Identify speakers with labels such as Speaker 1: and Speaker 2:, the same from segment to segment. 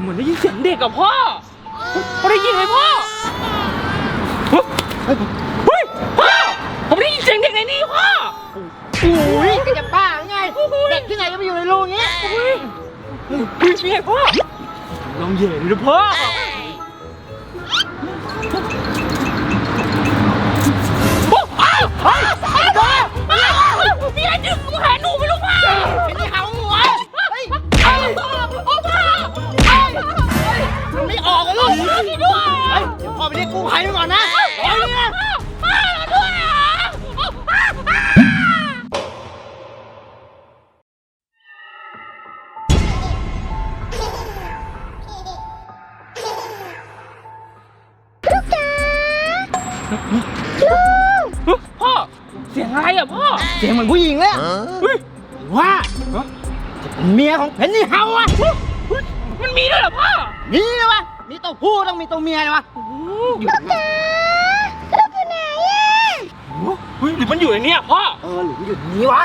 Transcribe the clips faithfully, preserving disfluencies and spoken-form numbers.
Speaker 1: มือนได้ยินเสียงเด็กกับพ่อพ่อได้ยินไหมพ่อเฮ้ยพ่อผมได้ยินเสียงเด็กในนี้พ่อ
Speaker 2: โอ้ยก็จะบ้าไงเด็กที่ไหนก็ไปอยู่ในรูนี้
Speaker 1: เฮ้ยนี่ไงพ่อลองเย่ดูนะพ่อมีอะไรดึงมือหาหนูไม่รู้พ่อ
Speaker 2: เป็นที่เขาหัวเฮ้ยเฮ้ยพ่อพ่อมันไม่ออกเลยลูก
Speaker 1: ด้วยเฮ้ย
Speaker 2: เดี๋ยวพ่อไปเรียกกู้ภัยก่อนนะเฮ้ยเนี่ย
Speaker 1: พ่อด้วยอ่ะพ่อเสียงอะไรอ่ะพ่อ
Speaker 2: เสียงเหมือนผู้หญิงเลยว่าเมียของเพนนี่เฮาอ่ะ
Speaker 1: มันมีด้วยเหรอพ่อ
Speaker 2: มีเลยวะมีตัวผู้ต้องมีตัวเมียเลยวะ
Speaker 1: อยู่ไหนลูกอยู่ไหนอ่ะเฮ้ยหรือมันอยู่ในนี้พ่อ
Speaker 2: เออหรืออยู่นี้วะ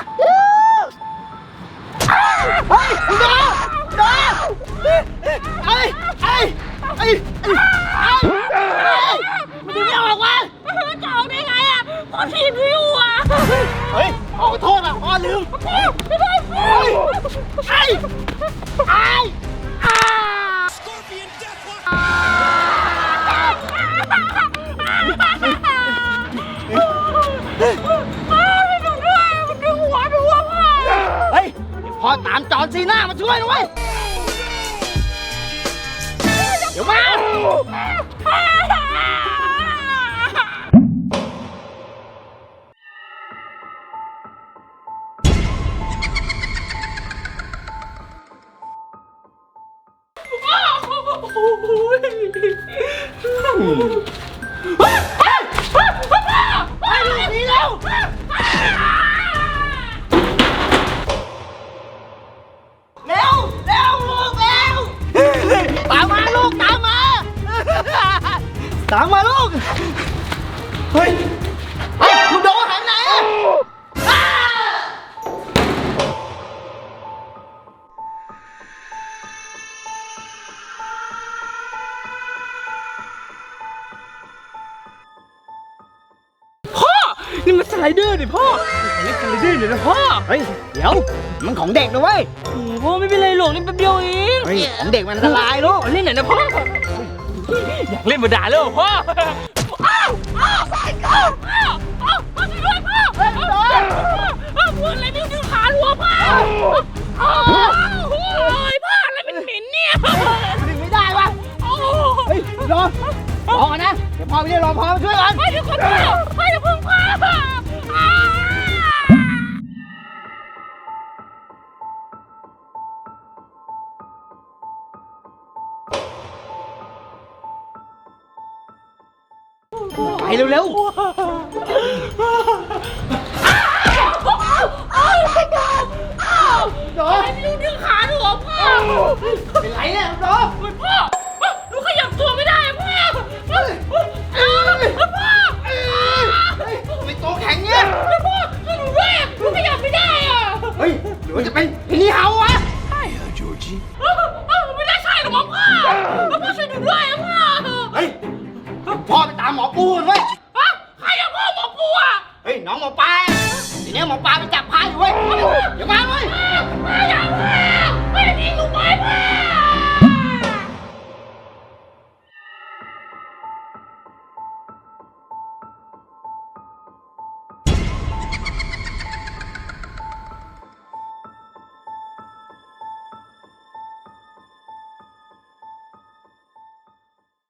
Speaker 2: เฮ้ยคุณโดโดเอ้ยเอ้ยเอ้ยเอ้ยมันดูไม่ออกวะ
Speaker 1: จะออกได้ไงอ่ะพ่อทีมวิวอ่ะ
Speaker 2: เฮ้ยขอโทษอ่ะพ่อลืม
Speaker 1: ไม่ได้พ่อ
Speaker 2: ไอ้ไอ้อ้าเฮ้ยพ่อตามจอนซีน่ามาช่วยหน่อยเดี๋ยวมาตามมาลูกเฮ้ยเฮ้ยลูกโดหันไหนอ่ะ
Speaker 1: พ่อนี่มันสไลเดอร์ดิพ่อเล่นสไลเดอร์เดี๋ยวนะพ่อ
Speaker 2: เฮ้ยเดี๋ยวมันของเด็กนะเว้ย
Speaker 1: พ่อไม่เป็นไรหรอกเล่นแป๊บเดียวเอง
Speaker 2: เฮ้ยของเด็กมันอันตรายลูก
Speaker 1: เล่นไหนนะพ่ออยากเล่นมาด่าเลยพ่ออ้าวอ้าวอ้าวอ้าวอ้าวพ่อช่วยด้วยพ่อเฮ้ยโดนพ่อพูดอะไรไม่ดึงขาลัวพ่ออ้าวโอ้ยพ่ออะไรเป็นเหม็นเนี่ย
Speaker 2: ดึงไม่ได้วะเฮ้ยโดนรอก่อนนะเดี๋ยวพ่อไปเรียกรอพ่อมาช่วยก่อน
Speaker 1: พ่อเดี๋ยวคนเดียวพ่ออย่าพึ่งพ่อ
Speaker 2: ไปเร็วๆ
Speaker 1: อ้าวไม่โดนอ้าวโดนไม่รู้ดึงขาหนูอ่ะพ่อ
Speaker 2: เป็นไรเนี่ยโดน
Speaker 1: พ่อหนูขยับตัวไม่ได้พ่อพ่อพ่อ
Speaker 2: ไม่ตัวแข็งเนี่ย
Speaker 1: พ่อช่วยหนูด้วยหนูขยับไม่ได้อ่ะ
Speaker 2: เฮ้ยหรือว่าจะเป็นพี่นี่เฮาวะ
Speaker 1: Hi Georgie ไม่ได้ใช่หรอกพ่อพ่อช่วยหนูด้วยพ่อ
Speaker 2: เฮ้ยพ่อไปตามหมอปูกันเว้ย
Speaker 1: ใครอะพ่อหมอปูอ่ะ
Speaker 2: เฮ้ยน้องหมอปลาทีนี้หมอปลาไปจับพายอยู่เว้ยเดี๋ยวมาเว้ย